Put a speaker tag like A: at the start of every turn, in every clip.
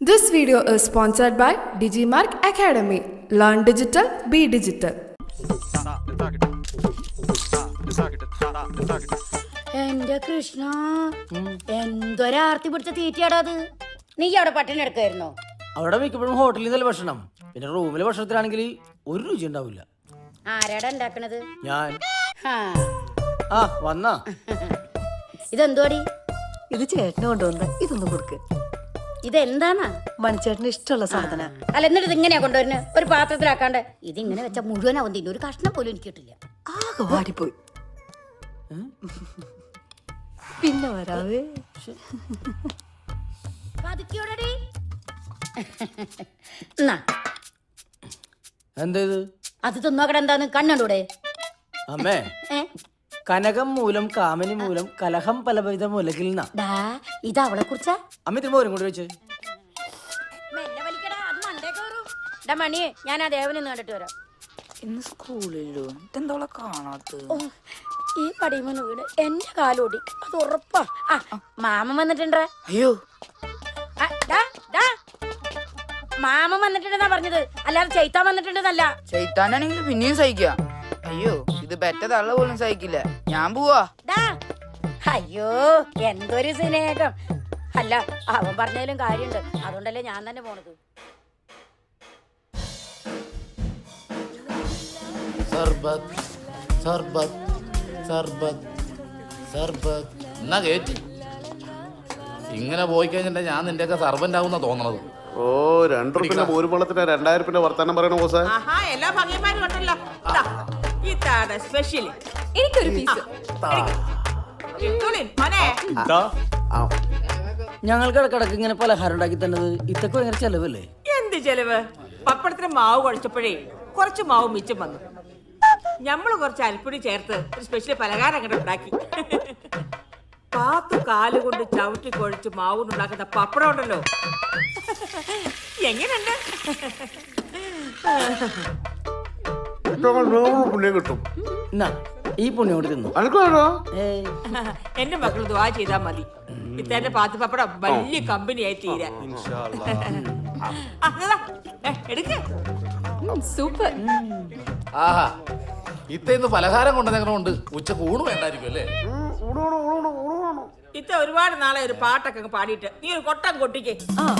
A: This video is sponsored by Digimark Academy. Learn digital, be digital.
B: എന്റെ കൃഷ്ണ, എന്തൊരാർത്തി പിടിച്ച തീറ്റയാടാ അത്. നീ അവിടെ പട്ടിണി എടുക്കായിരുന്നോ?
C: അവിടെ മിക്കപ്പോഴും ഹോട്ടലിൽ നിന്നല്ല ഭക്ഷണം. പിന്നെ റൂമിലെ ഭക്ഷണത്തിലാണെങ്കിൽ ഒരു രുചി ഉണ്ടാവില്ല.
B: ആരാടാ ഉണ്ടാക്കണത്?
C: ഞാൻ.
B: ഹാ.
C: ആ വന്നാ.
B: ഇതെന്തോടി?
D: ഇത് ചേട്ടന് കൊണ്ടുവന്ന ഇതൊന്നും കൊടുക്ക്.
B: ഇതെന്താന്നാ?
D: മണിച്ചേട്ടന് ഇഷ്ടമുള്ള സാധന.
B: അല്ല, എന്നിട്ട് ഇത് ഇങ്ങനെയാ കൊണ്ടുവരുന്നത്? ഒരു പാത്രത്തിലാക്കാണ്ട് ഇതിങ്ങനെ വെച്ച മുഴുവനാവും തിന്നു. ഒരു കഷ്ണം പോലും എനിക്ക് കിട്ടില്ല.
D: ആകെ വാടിപ്പോയി. പിന്നെ വരാവേ.
B: പതുക്കിയോടെടി.
C: എന്തേത്?
B: അത് തിന്നോക്കട. എന്താന്ന് കണ്ണൂടെ?
C: അമ്മേ, കനകം മൂലം കാമനി മൂലം കലഹം പലവിധ മൂലകിൽ
B: ഇത് അവളെ കുറിച്ചാ?
C: അമ്മ തിരുമ്പോരും കൂടി വെച്ച്
B: മണിയെ ഞാൻ ആ ദേവനെ കണ്ടിട്ട് വരാം.
D: ഇന്ന് സ്കൂളിലോ ഇതെന്തോളെ കാണാത്ത?
B: ഈ പടിമൂന്ന് വീട് എന്റെ കാലോടി, അത് ഉറപ്പാ. മാമൻ വന്നിട്ടുണ്ടേ.
D: അയ്യോ,
B: മാമൻ വന്നിട്ടുണ്ടെന്നാ പറഞ്ഞത്, അല്ലാതെ ചൈത്താൻ വന്നിട്ടുണ്ടെന്നല്ല.
E: ചൈത്താനാണെങ്കിൽ പിന്നെയും സഹിക്കാം. അയ്യോ, ഇത് പെറ്റ തള്ള പോലും സഹിക്കില്ല. ഞാൻ പോവാ.
B: അയ്യോ, എന്തൊരു സ്നേഹം. അല്ല, അവൻ പറഞ്ഞതിലും കാര്യമുണ്ട്, അതുകൊണ്ടല്ലേ ഞാൻ തന്നെ പോണത്.
F: സർബത്ത് സർബത്ത് സർബത്ത് സർബത്ത് എന്നാ കേറ്റി. ഇങ്ങനെ പോയി കഴിഞ്ഞിട്ട് ഞാൻ നിന്റെയൊക്കെ സർവന്റ് ആവുന്ന തോന്നണത്.
G: ഓ, 2 റുപ്യ പോരുമ്പളത്തിന് 2000 വർത്താനം പറയണ ബോസേ.
H: എല്ലാ ഭംഗിമാരും ഉണ്ടല്ലോ. ഇതാണ് സ്പെഷ്യൽ. എനിക്കൊരു പീസ്.
C: ഞങ്ങൾക്ക് ഇടക്കിടക്ക് ഇങ്ങനെ പലഹാരം ഉണ്ടാക്കി തന്നത് ഇതൊക്കെ ഭയങ്കര ചെലവല്ലേ?
H: എന്ത് ചെലവ്? പപ്പടത്തിന് മാവ് കുഴച്ചപ്പോഴേ കുറച്ച് മാവ് മിച്ചം വന്നു. ഞമ്മള് കുറച്ച് അരിപ്പൊടി ചേർത്ത് ഒരു സ്പെഷ്യൽ പലഹാരം അങ്ങോട്ട് ഉണ്ടാക്കി. 10 കാലുകൊണ്ട് ചവിട്ടി കുഴച്ച് മാവുണ്ടാക്കുന്ന പപ്പടം ഉണ്ടല്ലോ, എങ്ങനെയുണ്ട്?
G: പുണ്യം കിട്ടും.
C: ഈ പുണ്യം കൊണ്ട് തിന്നു.
H: എന്റെ മക്കൾ ദ്വാ ചെയ്താ മതി. ഇത്തന്നെ പാത്ത് പപ്പടം വലിയ കമ്പനിയായി തീരാ. എടുക്ക.
D: സൂപ്പർ.
F: ആഹാ, ഇന്ന് പലഹാരം കൊണ്ടുവന്നേക്കണോണ്ട് ഉച്ചക്ക് ഊണ് വേണ്ടായിരിക്കും അല്ലേ?
H: ഇത്ത ഒരുപാട് നാളെ ഒരു പാട്ടൊക്കെ പാടിയിട്ട് നീ ഒരു കൊട്ടം കൊട്ടിക്കേ.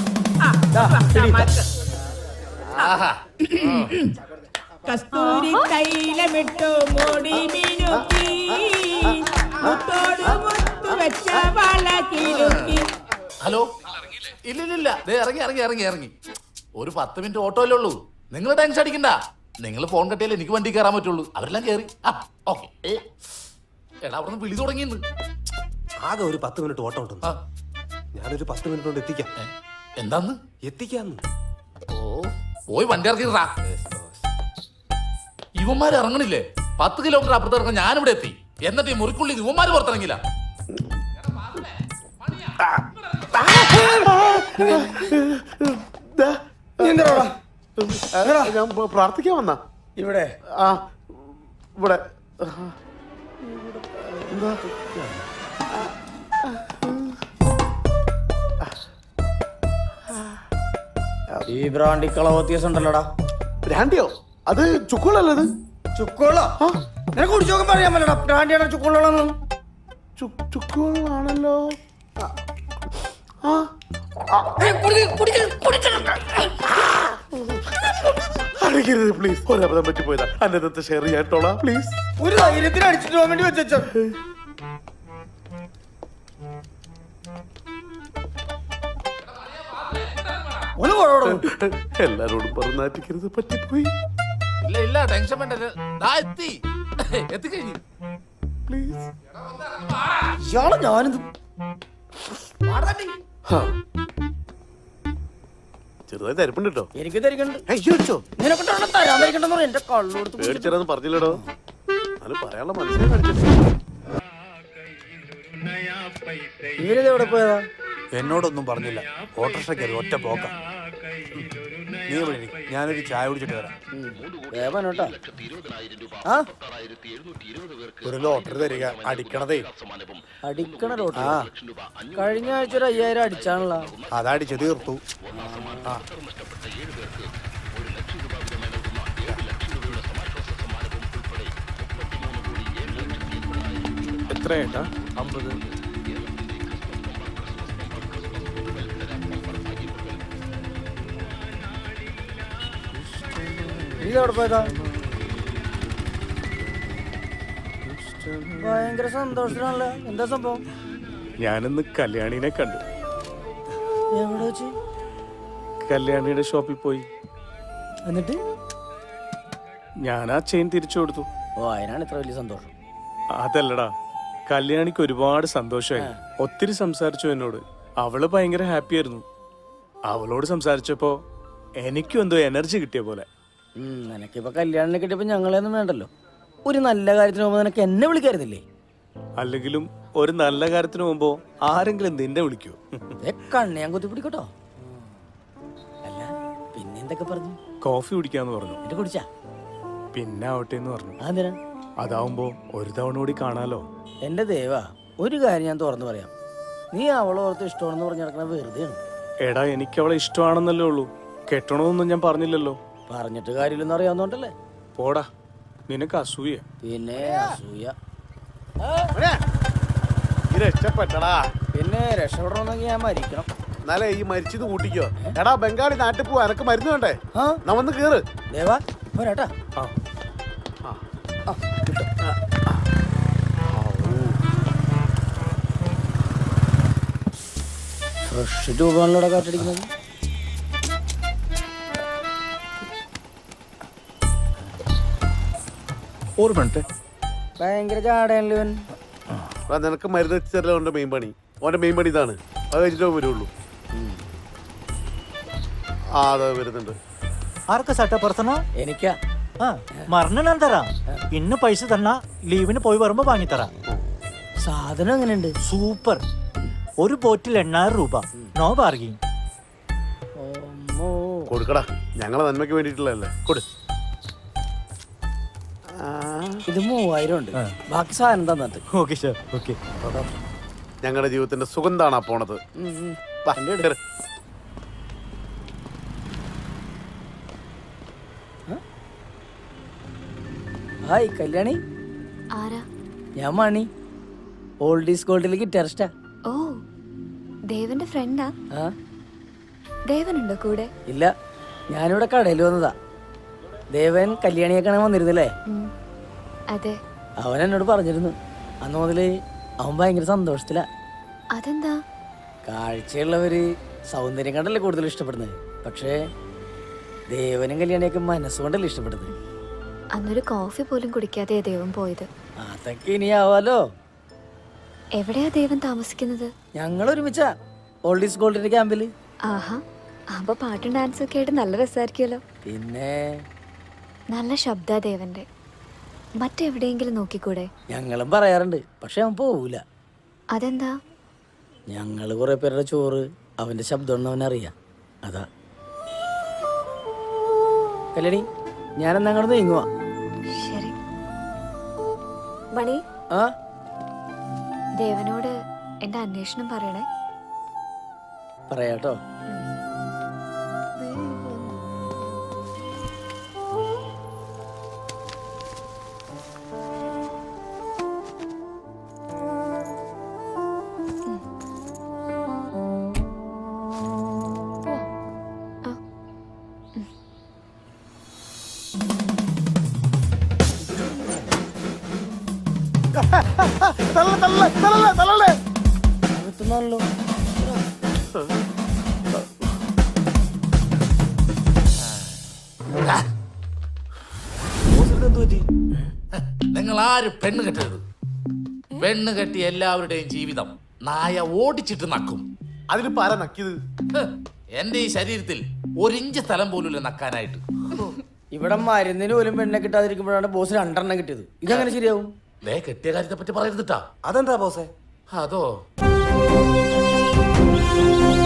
H: കസ്തൂരി തൈലമിട്ടു മോടി മിനുക്കി, മുത്തോട് മുത്തു വെച്ച വള കിലുക്കി.
F: ഹലോ, ഇല്ലില്ല, ഇറങ്ങി ഇറങ്ങി ഇറങ്ങി ഇറങ്ങി. ഒരു 10 മിനിറ്റ് ഓട്ടോയിലേ ഉള്ളൂ. നിങ്ങൾ ടെൻഷൻ അടിക്കണ്ട. നിങ്ങൾ ഫോൺ കട്ടിയാലേ എനിക്ക് വണ്ടി കയറാൻ പറ്റുള്ളൂ. അവരെല്ലാം കയറി. ഓക്കെ. എടാ, അവിടെ നിന്ന് വിളി തുടങ്ങിയെന്ന്.
I: ആകെ ഒരു 10 മിനിറ്റ് ഓട്ടം ഉണ്ട്. ഞാനൊരു 10 മിനിറ്റ് കൊണ്ട് എത്തിക്കാം.
F: എന്താന്ന്?
I: എത്തിക്കാന്ന്.
F: ഓ, പോയി വണ്ടി ഇറക്കിട്ടാ. ഇവന്മാര് ഇറങ്ങണില്ലേ? 10 കിലോമീറ്റർ അപ്പുറത്ത് ഇറങ്ങാൻ ഞാനിവിടെ എത്തി. എന്നിട്ട് ഈ മുറിക്കുള്ളിൽ ഇവന്മാര് പുറത്തിറങ്ങില്ല.
G: ഞാൻ പ്രാർത്ഥിക്കാൻ വന്നാ.
C: ഇവിടെ
G: ഇവിടെ
C: ഈ ബ്രാൻഡി കളവ് വ്യത്യാസം ഉണ്ടല്ലോടാ.
G: ബ്രാൻഡിയോ? അത് ചുക്കുകളല്ലേ? അത്
C: ചുക്കോളോ? നിനക്ക് കുടിച്ചോക്കാൻ പറയാൻ പറ്റടാ. ബ്രാൻഡിയാണോ ചുക്കോളാണെന്ന്?
G: ചുക്കുകളാണല്ലോ. അടിക്കരുത് പ്ലീസ്. ഒരബദ്ധം പറ്റിപ്പോയതാ. അന്നത്തെ ഷെയർ ചെയ്യാട്ടോളാം പ്ലീസ്.
C: ഒരു ധൈര്യത്തിന് അടിച്ചിട്ട് പോകാൻ വേണ്ടി വെച്ചോ.
G: എല്ലാരോടും പറഞ്ഞാറ്റിക്കരുത്, പറ്റിപ്പോയി.
F: ഇല്ല ഇല്ല, ടെൻഷൻ വേണ്ട. എത്തിക്കഴിഞ്ഞു.
G: പ്ലീസ്.
C: ഇയാളെ ഞാനിത്
G: ചെറുതായി തരിപ്പുണ്ട് കേട്ടോ.
C: എനിക്ക് തരിക്കണ്ട്.
G: അയ്യോ,
C: നിനക്ക് തരാൻ തരിക്കണ്ടെന്ന് പറയും. എന്റെ കള്ളോടുത്ത്
G: പേടിച്ചേരാന്ന് പറഞ്ഞില്ലടോ. അത് പറയാനുള്ള മനസ്സിനെ കാണിച്ചിട്ട്.
C: ഇവരിത് എവിടെ പോയതാ?
I: എന്നോടൊന്നും പറഞ്ഞില്ല. ഓട്ടോറിക്ഷ കയറി ഒറ്റ പോക്ക. നീ ഇവിടെ ഇരി. ഞാനൊരു ചായ കുടിച്ചിട്ട് വരാം.
C: വേഗം കേട്ടോ. ആ
G: ഒരു ലോട്ടറി തരിക, അടിക്കണതേ.
C: അടിക്കണ ലോട്ടറി. കഴിഞ്ഞ ആഴ്ച ഒരു 5000 അടിച്ചാണല്ലോ.
G: അതടിച്ച് തീർത്തു. ആ എത്രയായിട്ടാ?
I: 50.
C: നീ എവിടെ പോയതാ? ഭയങ്കര സന്തോഷത്തിലാണല്ലോ. എന്താ സംഭവം?
G: ഞാനിന്ന് കല്യാണിനെ കണ്ടു.
C: എവിടെ വെച്ച്?
G: കല്യാണിയുടെ ഷോപ്പിൽ പോയി.
C: എന്നിട്ട്
G: ഞാൻ ആ ചെയിൻ തിരിച്ചു കൊടുത്തു.
C: ഓ, അതിനാണ് ഇത്ര വലിയ സന്തോഷം.
G: അതല്ലടാ, കല്യാണിക്ക് ഒരുപാട് സന്തോഷമായി. ഒത്തിരി സംസാരിച്ചു എന്നോട്. അവള് ഭയങ്കര ഹാപ്പി ആയിരുന്നു. അവളോട് സംസാരിച്ചപ്പോ എനിക്കും എന്തോ എനർജി കിട്ടിയ പോലെ.
C: നിനക്കിപ്പോ കല്യാണം കിട്ടിയപ്പോ ഞങ്ങളെയൊന്നും വേണ്ടല്ലോ. ഒരു നല്ല കാര്യത്തിന് പോകുമ്പോ നിനക്ക് എന്നെ വിളിക്കായിരുന്നില്ലേ?
G: അല്ലെങ്കിലും ഒരു നല്ല കാര്യത്തിന് പോകുമ്പോ ആരെങ്കിലും നിന്നെ വിളിക്കൂ?
C: കണ്ണ് ഞാൻ കുത്തി പിടിക്കട്ടോ. അല്ല, പിന്നെ എന്തൊക്കെ പറഞ്ഞു?
G: കോഫി കുടിക്കാന്ന് പറഞ്ഞു.
C: എന്നിട്ട് കുടിച്ചാ?
G: പിന്നെ ആവട്ടെ എന്ന് പറഞ്ഞു.
C: അതെന്തിനാ?
G: അതാവുമ്പോ ഒരു തവണ കൂടി കാണാലോ.
C: എന്റെ ദേവാ, ഒരു കാര്യം ഞാൻ തുറന്നു പറയാം. നീ അവളോർത്ത് ഇഷ്ടമാണെന്ന് പറഞ്ഞു നടക്കണ വെറുതെയാണ്.
G: എടാ, എനിക്ക് അവളെ ഇഷ്ടമാണെന്നല്ലേ ഉള്ളൂ. കെട്ടണമെന്നൊന്നും ഞാൻ പറഞ്ഞില്ലല്ലോ.
C: പറഞ്ഞിട്ട് കാര്യമില്ലെന്ന് അറിയാവുന്നോണ്ടല്ലേ.
G: പോടാ, നിനക്ക് അസൂയ.
C: പിന്നെ അസൂയ.
G: രക്ഷപ്പെട്ടടാ.
C: പിന്നെ രക്ഷപ്പെടണമെന്നെങ്കിൽ ഞാൻ മരിക്കണം.
G: എന്നാലേ ഈ മരിച്ചത് കൂട്ടിക്കോ. എടാ, ബംഗാളി നാട്ടിൽ പോവാ. എനക്ക് മരുന്ന് വേണ്ടേ?
C: ആ,
G: നമ്മന്ന് കേറ്.
C: ദേവാ പോരാട്ടാ. ഫ്രഷ് രൂപങ്ങളിലൂടെ കാറ്റടിക്കുന്നത്. ഭയങ്കര ചാടയല്ലേ ഇവൻ.
G: നിനക്ക് മരുന്ന് എത്തിച്ചല്ലോ ഓന്റെ മെയിൻ പണി. ഓന്റെ മെയിൻ പണി ഇതാണ്. അത് കഴിച്ചിട്ടേ വരുള്ളൂ. ആ, അതെ വരുന്നുണ്ട്.
J: ആർക്കാ സട്ട പറത്തണോ?
C: എനിക്കാ.
J: മറന്നു ഞാൻ തരാം. ഇന്ന് പൈസ തന്നാ ലീവിന് പോയി വരുമ്പോ വാങ്ങിത്തരാം.
C: സാധനം എങ്ങനെയുണ്ട്?
J: സൂപ്പർ. ഒരു ബോട്ടിൽ 8000 രൂപ. No bargaining.
G: കൊടുക്കടാ, ഞങ്ങളെ നന്മയ്ക്ക് വേണ്ടിയിട്ടുള്ളതല്ലേ. കൊടു.
C: ഇത് 3000 ഉണ്ട്. ബാക്കി സാധനം തന്നിട്ട്.
J: Okay sir. ഓക്കെ.
G: ഞങ്ങളുടെ ജീവിതത്തിന്റെ സുഗന്ധാണ് ആ പോണത്. വാ, കേറ്.
C: ഹായ് കല്യാണി.
D: ആരാ?
C: ഞാൻ മണി, ഓൾഡ് ഈസ് ഗോൾഡിലെ ഗിറ്റാറിസ്റ്റാ.
D: ഓ, ദേവന്റെ ഫ്രണ്ടാ?
C: ആ,
D: ദേവനുണ്ടോ കൂടെ?
C: ഇല്ല, ഞാനിവിടെ കടയിൽ വന്നതാ. ദേവൻ കല്യാണിയെ കാണാൻ വന്നിരുന്നില്ലേ?
D: അതെ.
C: അവൻ എന്നോട് പറഞ്ഞിരുന്നു. അന്ന് മുതല് അവൻ ഭയങ്കര സന്തോഷത്തിലാ.
D: അതെന്താ?
C: കാഴ്ചയുള്ളവര് സൗന്ദര്യം കണ്ടല്ലേ കൂടുതൽ ഇഷ്ടപ്പെടുന്നത്. പക്ഷേ ദേവനും കല്യാണിയൊക്കെ മനസ്സുകൊണ്ടല്ലേ ഇഷ്ടപ്പെടുന്നത്.
D: അന്നൊരു കോഫി പോലും കുടിക്കാതെ ദേവൻ പോയത്.
C: അതൊക്കെ ഇനിയാവാലോ.
D: എവിടെയാ ദേവൻ താമസിക്കുന്നത്?
C: ഞങ്ങൾ ഒരുമിച്ചാ ഓൾഡ് ഈസ് ഗോൾഡിന്റെ ക്യാമ്പില്.
D: ആഹാ, അപ്പൊ പാട്ടും ഡാൻസും ഒക്കെ ആയിട്ട് നല്ല രസമായിരിക്കുമല്ലോ.
C: പിന്നെ
D: നല്ല ശബ്ദാ ദേവന്റെ. മറ്റെവിടെയെങ്കിലും നോക്കിക്കൂടെ?
C: ഞങ്ങളും പറയാറുണ്ട്, പക്ഷെ അവൻ പോവൂല.
D: അതെന്താ?
C: ഞങ്ങള് കുറെ പേരുടെ ചോറ് അവന്റെ ശബ്ദം അവനറിയാം. അതാ. കല്യാണി, ഞാനെന്നാ അങ്ങോട്ട് നീങ്ങുവാ.
D: ശരി. മണി,
C: ആ,
D: ദേവനോട് എന്റെ അന്വേഷണം പറയണേ.
C: പറയാട്ടോ. എത്തുന്നാണല്ലോ.
F: നിങ്ങൾ ആരും പെണ്ണ് കെട്ടരുത്. പെണ്ണ് കെട്ടി എല്ലാവരുടെയും ജീവിതം നായ ഓടിച്ചിട്ട് നക്കും.
G: അതിലിപ്പോ ആരാ നക്കിയത്?
F: എന്റെ ഈ ശരീരത്തിൽ 1 ഇഞ്ച് സ്ഥലം പോലും നക്കാനായിട്ട്.
C: ഇവിടെ മരുന്നിന് പോലും പെണ്ണെ കിട്ടാതിരിക്കുമ്പോഴാണ് ബോസ് 2 കിട്ടിയത്. ഇതെങ്ങനെ ശരിയാവും?
F: കെട്ടിയ കാര്യത്തെ പറ്റി പറയരുതിട്ടാ.
I: അതെന്താ ബോസേ?
F: അതോ